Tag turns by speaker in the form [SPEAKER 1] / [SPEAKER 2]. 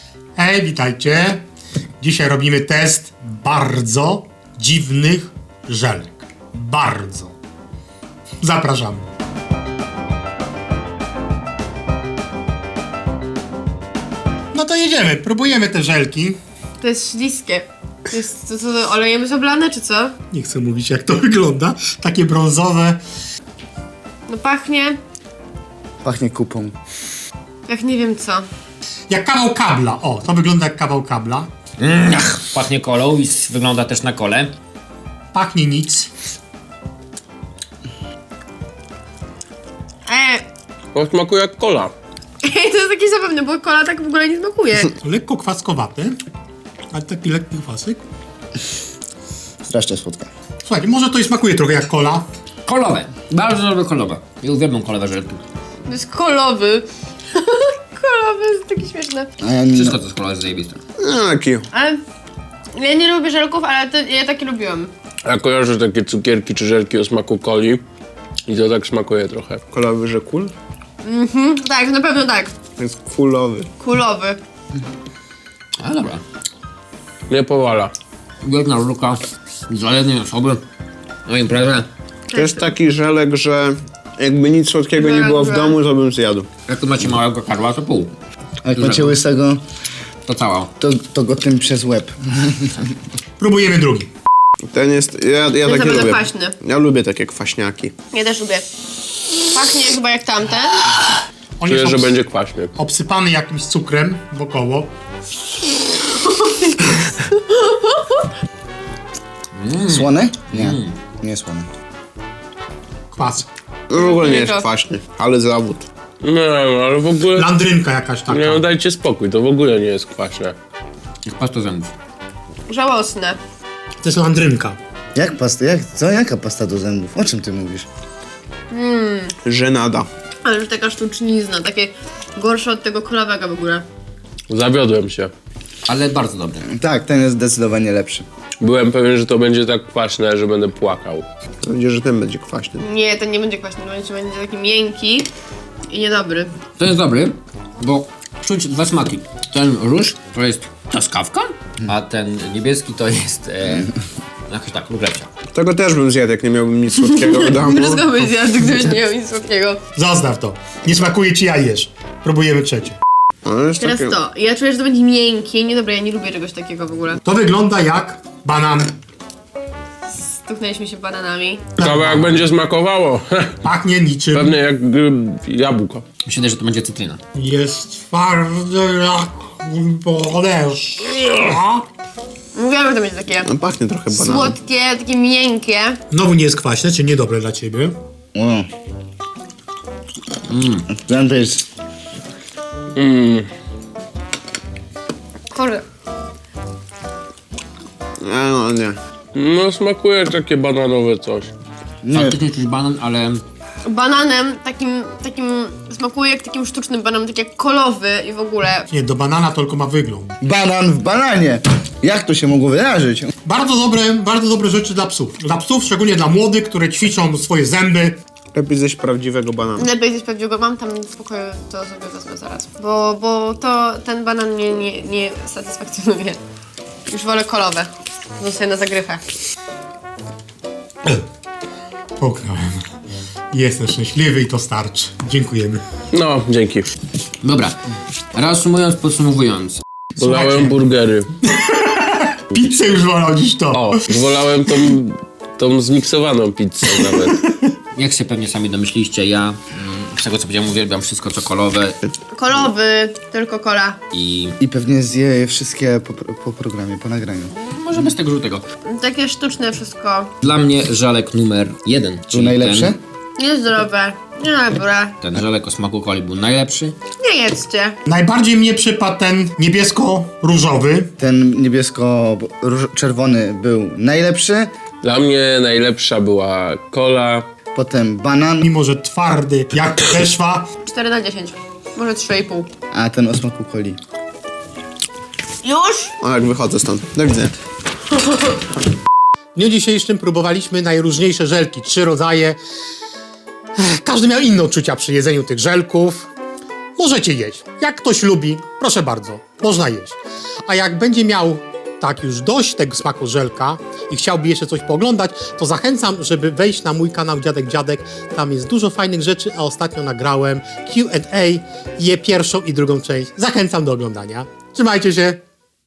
[SPEAKER 1] Hej, witajcie. Dzisiaj robimy test bardzo dziwnych żelek. Bardzo. Zapraszamy. No to jedziemy, próbujemy te żelki.
[SPEAKER 2] To jest śliskie. To jest co, olejem jest oblane, czy co?
[SPEAKER 1] Nie chcę mówić, jak to wygląda. Takie brązowe.
[SPEAKER 2] No pachnie
[SPEAKER 3] Pachnie kupą.
[SPEAKER 2] jak nie wiem co.
[SPEAKER 1] Jak kawał kabla. O, to wygląda jak kawał kabla.
[SPEAKER 4] Pachnie kolą i wygląda też na kole.
[SPEAKER 1] Pachnie nic.
[SPEAKER 5] To smakuje jak cola.
[SPEAKER 2] To jest takie zabawne, bo kola tak w ogóle nie smakuje.
[SPEAKER 1] Lekko kwaskowate, ale taki lekki kwasek.
[SPEAKER 3] Strasznie słodka.
[SPEAKER 1] Słuchajcie, może to i smakuje trochę jak kola.
[SPEAKER 4] Kolowe. Bardzo dobre kolowe. Ja uwielbiam kolowe żelki.
[SPEAKER 2] To jest kolowy. Kolowy jest takie śmieszne.
[SPEAKER 3] A ja nie...
[SPEAKER 4] Wszystko co jest kolowe jest zajebiste.
[SPEAKER 5] No taki.
[SPEAKER 2] Ale ja nie lubię żelków, ale ja takie lubiłam.
[SPEAKER 5] Ja kojarzę takie cukierki czy żelki o smaku coli. I to tak smakuje trochę.
[SPEAKER 6] Kolowy, że kul?
[SPEAKER 2] Tak, na pewno tak.
[SPEAKER 6] Jest kulowy.
[SPEAKER 2] Kulowy.
[SPEAKER 4] Ale dobra.
[SPEAKER 5] Nie powala.
[SPEAKER 4] Wielka żelka dla jednej osoby na imprezę.
[SPEAKER 6] To jest taki żelek, że jakby nic słodkiego nie było w domu, to bym zjadł.
[SPEAKER 4] Jak tu macie małego karła, to pół.
[SPEAKER 3] A jak macie łysego,
[SPEAKER 4] To cała.
[SPEAKER 3] to go tym przez łeb.
[SPEAKER 1] Próbujemy drugi.
[SPEAKER 6] Ten jest, ja
[SPEAKER 2] Jest
[SPEAKER 6] takie
[SPEAKER 2] naprawdę
[SPEAKER 6] lubię.
[SPEAKER 2] kwaśny.
[SPEAKER 6] Ja lubię takie kwaśniaki.
[SPEAKER 2] Ja też lubię. Pachnie chyba jak tamten.
[SPEAKER 1] On
[SPEAKER 5] Czuję,
[SPEAKER 1] jest
[SPEAKER 5] że będzie kwaśny.
[SPEAKER 1] obsypany jakimś cukrem wokoło.
[SPEAKER 3] Słone? Nie. Nie słone.
[SPEAKER 1] Kwas.
[SPEAKER 6] No w ogóle nie jest
[SPEAKER 2] to.
[SPEAKER 6] kwaśny, ale zawód.
[SPEAKER 5] Nie no, ale w ogóle...
[SPEAKER 1] Landrynka jakaś taka.
[SPEAKER 5] Nie no, dajcie spokój, to w ogóle nie jest kwaśne.
[SPEAKER 4] Jak pasta zębów.
[SPEAKER 2] Żałosne.
[SPEAKER 1] To jest landrynka.
[SPEAKER 3] Jak pasta? Jaka pasta do zębów? O czym ty mówisz?
[SPEAKER 6] Żenada.
[SPEAKER 2] Ale już taka sztucznizna, takie gorsze od tego kolowego w ogóle.
[SPEAKER 5] Zawiodłem się.
[SPEAKER 4] Ale bardzo dobre.
[SPEAKER 3] Tak, ten jest zdecydowanie lepszy.
[SPEAKER 5] Byłem pewien, że to będzie tak kwaśne, że będę płakał.
[SPEAKER 6] Mam nadzieję, że ten będzie kwaśny.
[SPEAKER 2] Nie, ten nie będzie kwaśny, będzie taki miękki i niedobry.
[SPEAKER 4] To jest dobry, bo czuć dwa smaki. Ten róż to jest truskawka, a ten niebieski to jest jakaś tak, ruglecia.
[SPEAKER 6] Tego też bym zjadł, jak nie miałbym nic słodkiego w domu.
[SPEAKER 2] Wszystko byś zjadł, gdybyś nie miał nic słodkiego.
[SPEAKER 1] Zostaw to. Nie smakuje ci, ja jesz. Próbujemy trzecie.
[SPEAKER 6] Ale jest
[SPEAKER 2] Teraz
[SPEAKER 6] takie...
[SPEAKER 2] to. Ja czuję, że to będzie miękkie. Niedobre, ja nie lubię czegoś takiego w ogóle.
[SPEAKER 1] To wygląda jak banan.
[SPEAKER 2] Stuknęliśmy się bananami.
[SPEAKER 5] Ciekawe jak będzie smakowało.
[SPEAKER 1] Pachnie niczym.
[SPEAKER 5] Pewnie jak jabłko.
[SPEAKER 4] Myślę, że to będzie cytryna.
[SPEAKER 1] Jest twardy jak podeszwa.
[SPEAKER 2] Mówiłam, że to będzie takie
[SPEAKER 6] No, pachnie trochę bananem.
[SPEAKER 2] słodkie, takie miękkie.
[SPEAKER 1] Znowu nie jest kwaśne, czy niedobre dla ciebie?
[SPEAKER 3] O. Ten to jest...
[SPEAKER 2] Kurde.
[SPEAKER 6] No nie.
[SPEAKER 5] No smakuje takie bananowe coś.
[SPEAKER 4] Faktycznie czuć banan, ale
[SPEAKER 2] Bananem takim smakuje jak takim sztucznym bananem, tak jak kolowy i w ogóle.
[SPEAKER 1] Nie, do banana to tylko ma wygląd.
[SPEAKER 3] Banan w bananie! Jak to się mogło wydarzyć?
[SPEAKER 1] Bardzo dobre rzeczy dla psów. Dla psów, szczególnie dla młodych, które ćwiczą swoje zęby.
[SPEAKER 6] Lepiej zjeść prawdziwego banana.
[SPEAKER 2] Lepiej zjeść prawdziwego, mam tam w pokoju, to sobie wezmę zaraz. Bo ten banan mnie nie satysfakcjonuje. Już wolę kolowe. Zostaję na zagrywę.
[SPEAKER 1] Poknąłem. Jestem szczęśliwy i to starczy. Dziękujemy.
[SPEAKER 5] No, dzięki.
[SPEAKER 4] dobra. Reasumując, podsumowując.
[SPEAKER 5] Wolałem burgery.
[SPEAKER 1] Pizzę już wolał niż to.
[SPEAKER 5] O, wolałem tą zmiksowaną pizzę nawet.
[SPEAKER 4] Jak się pewnie sami domyśliście, ja z tego co powiedziałem uwielbiam wszystko co kolowe
[SPEAKER 2] Kolowy, tylko kola.
[SPEAKER 4] i
[SPEAKER 3] I pewnie zje je wszystkie po programie, po nagraniu.
[SPEAKER 4] może bez tego żółtego.
[SPEAKER 2] Takie sztuczne wszystko.
[SPEAKER 4] Dla mnie żelek numer 1.
[SPEAKER 3] To najlepsze?
[SPEAKER 2] Niezdrowe, niedobre.
[SPEAKER 4] Ten żelek o smaku coli był najlepszy.
[SPEAKER 2] Nie jedzcie.
[SPEAKER 1] Najbardziej mnie przypadł ten niebiesko-różowy.
[SPEAKER 3] Ten niebiesko-czerwony był najlepszy.
[SPEAKER 5] Dla mnie najlepsza była cola.
[SPEAKER 3] Potem banan,
[SPEAKER 1] Mimo, że twardy jak podeszwa.
[SPEAKER 2] 4 na 10. Może 3,5.
[SPEAKER 3] a ten o smaku coli.
[SPEAKER 2] Już?
[SPEAKER 6] O, jak wychodzę stąd. Do widzenia.
[SPEAKER 1] W dniu dzisiejszym próbowaliśmy najróżniejsze żelki. 3 rodzaje. Każdy miał inne odczucia przy jedzeniu tych żelków. możecie jeść. Jak ktoś lubi, proszę bardzo, można jeść. A jak będzie miał tak już dość tego smaku żelka i chciałby jeszcze coś pooglądać, to zachęcam, żeby wejść na mój kanał Dziadek Dziadek. Tam jest dużo fajnych rzeczy, a ostatnio nagrałem Q&A, je pierwszą i drugą część. Zachęcam do oglądania. Trzymajcie się!